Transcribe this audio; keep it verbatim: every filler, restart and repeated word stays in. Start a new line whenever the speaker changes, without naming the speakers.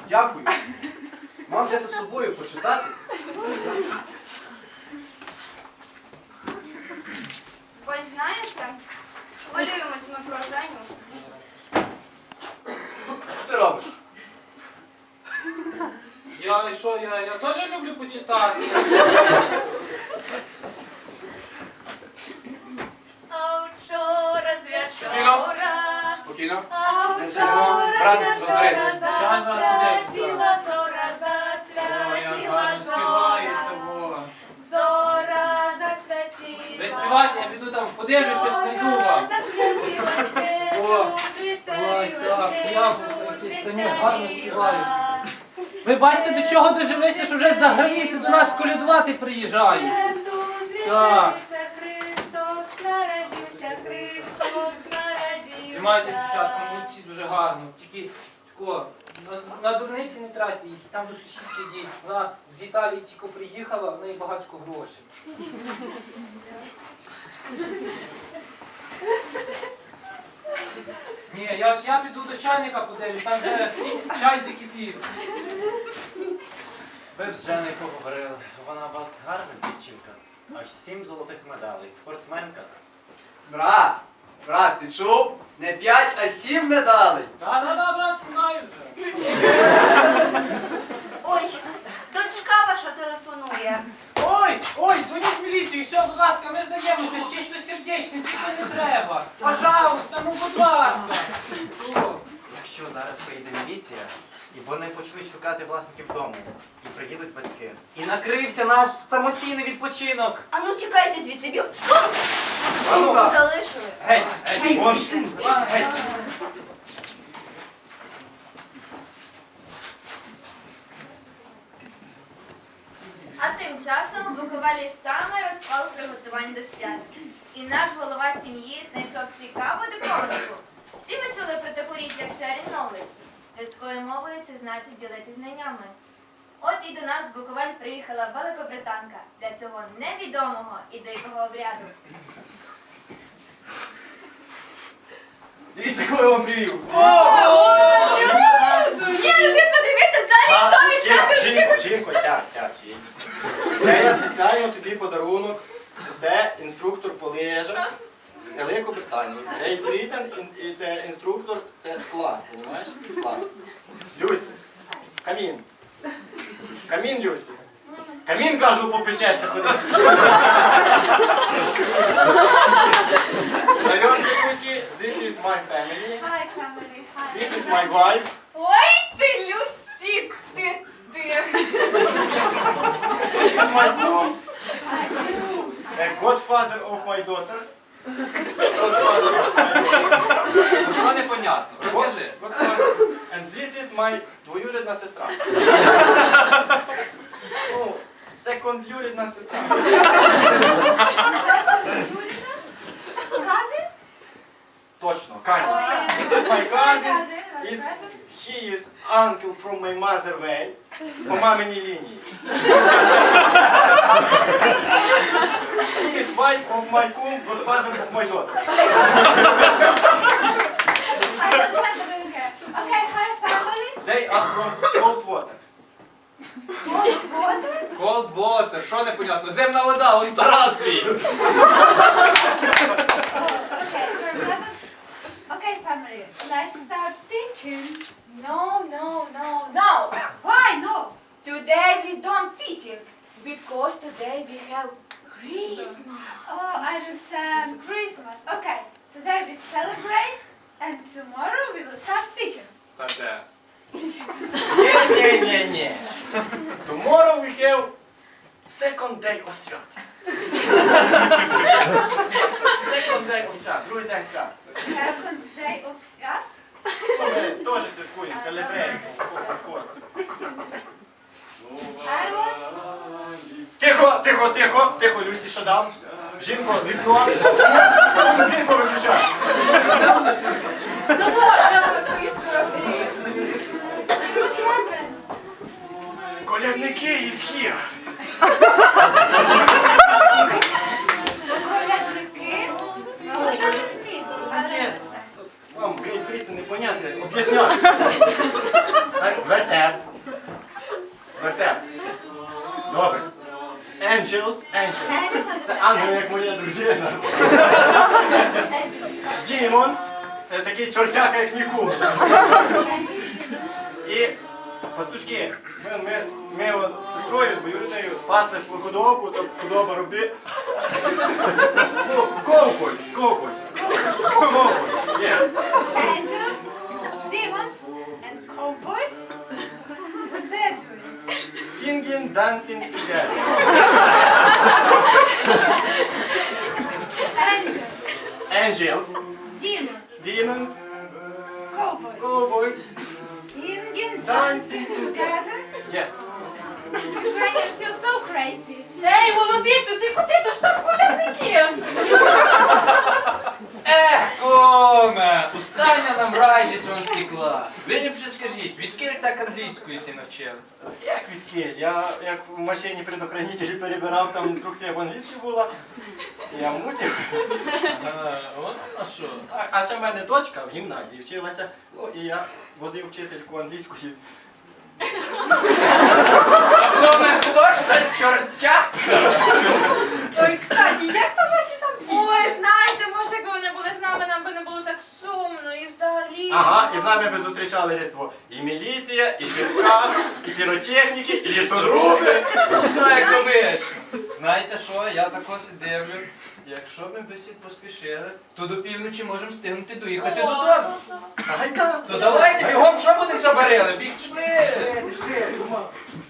Дякую. Мам взяти з собою почитати.
Ось знаєте, хвилюємось ми про Женю.
Що ти робиш?
Я що, я, я теж люблю почитати.
А вчора з
Спокійно.
вечора,
Спокійно.
а
Не сидимо.
вчора
Брат,
з
розберись.
вечора засвятіла зора, засвятіла зора, зора засвятіла.
Ви співайте, я піду там подивлюсь, щось знайду вам.
Засвятіла
О,
світу,
ой,
звеселила
так,
світу,
я якийсь конюк гарно співаю.
звеселила.
Ви бачите, до чого дожилися, що вже з-за границі до нас колядувати приїжджають.
Святу
Так.
звеселився Христос, народився Христос, народився.
Тримайте, дівчатка, молодці, дуже гарно. Тільки тако, на, на дурниці не тратьте їх, там до сусідки йдіть. Вона з Італії тільки приїхала, в неї багатько грошей. Ні, я ж я піду до чайника подивлюсь, там вже чай закипів.
Ви б з Женою поговорили. Вона у вас гарна дівчинка. Аж сім золотих медалей. Спортсменка.
Брат, брат, ти чув? Не п'ять, а сім медалей.
Да-да-да, брат, шукаю вже.
Ой, дочка ваша телефонує.
Ой, ой, дзвоніть в міліцію, все, будь ласка, ми знайомимося, ще щось сердечне, тільки не треба. Пожалуйста, ну будь ласка. Чого?
Якщо зараз приїде міліція, і вони почнуть шукати власників дому, і приїдуть батьки. І накрився наш самостійний відпочинок.
А ну тікайте звідси, б'ю. Сумку!
А ну-ка.
Сумку залишили.
Геть, геть, вон. Геть.
А тим часом в Буковелі саме розпал приготувань до свят. І наш голова сім'ї знайшов цікаву диковинку. Всі ми чули про таку річ, як sharing knowledge. Людською мовою це значить ділитись знаннями. От і до нас в Буковель приїхала великобританка для цього невідомого і дикого обряду.
Дивіться, кого я вам привів.
Ні, ну ти подивися, взагалі хто не
Жінко,
всякий.
жінко, жінко, ця, ця, жінко. Це я спеціально тобі подарунок. Це інструктор по лижах з Великобританії. Great Britain, і це інструктор, це клас, розумієш? Клас. Люсі, камін. Камін, Люсі. Камін, кажу, попечешся ходити. Знайомся, Люсі, this is my family.
Hi, family. Hi.
This is my wife.
Ой, ти, Люсі, ти, ти.
This is my groom. A godfather of my daughter. Godfather of my daughter.
Що непонятно? Розкажи.
Godfather. And this is my двоюрідна сестра. Ну, секондюрідна сестра.
Cousin?
Точно, cousin. This is my cousin. Is, he is uncle from my mother way. По маминій лінії. She is wife of my cum, godfather of my daughter.
Okay, hi, family.
They are from cold water.
Cold water?
Cold water, що непонятно? Земна вода, вон Тарас свій.
Okay, her cousin. Okay, family. Let's start teaching.
No, no, no, no.
Why no?
Today we don't teach it because today we have Christmas.
Oh, I understand. Christmas. Okay, today we celebrate, and tomorrow we will start teaching.
Та де?
Ні-ні-ні-ні. Tomorrow we have second day of свят. Second day of свят, другий день свят.
Second day of свят.
Ну, ми теж святкуємо, celebrate, of course.
I was
Тихо, тихо, тихо, тихо, Люсі, шадам. Жінко, вікно. Світло виключай.
What happened?
Колядники із Хір.
Колядники? What does it mean? I don't understand.
Вам, Great Britain, непонятно, об'ясняю. Вертеп. Angels.
Angels
Це
understand.
ангел, як моя дружина.
Angels.
Demons. Це такий чортяка, як мій кум.
Angels.
І пастушки. Ми, ми, ми от з сестрою двоюрідною пасли худобу, то худоба роби. Ну, ковбойс, ковбойс. Ковбойс, yes.
Angels, demons, and cowboys. What's that doing?
Singing, dancing together.
Angels,
Angels,
demons,
demons,
cowboys.
cowboys,
Singing,
Dancing
dancing together.
yes.
Ukrainians, you're so crazy.
Ей, молодицю, ти куди? То ж там колядники.
Ех, коме, устання нам радість вам втекла. Ви ліпше скажіть, відкіль так англійською сі навчили?
Як відкіль? Я як в машині предохранителі перебирав, там інструкція по-англійськи була. Я мусив.
Ага, от на що?
А, а ще в мене дочка в гімназії вчилася, ну і я возив вчительку англійської.
Коме, хто ж це чортяка?
Ой, кстати, як то ваші там? Ой, знаєте, може, якби вони були з нами, нам би не було так сумно і взагалі.
Ага, і з нами би зустрічали Різдво. І міліція, і швидка, і піротехніки, і лісоруби.
Ну, як думаєш? Знаєте що, я тако си дивлю. Якщо ми би всі поспішили, то до півночі можемо встигнути доїхати додому.
Гайда!
То давайте бігом, що будемо забарили? Біг, пішли!
Пішли, пішли, Рома.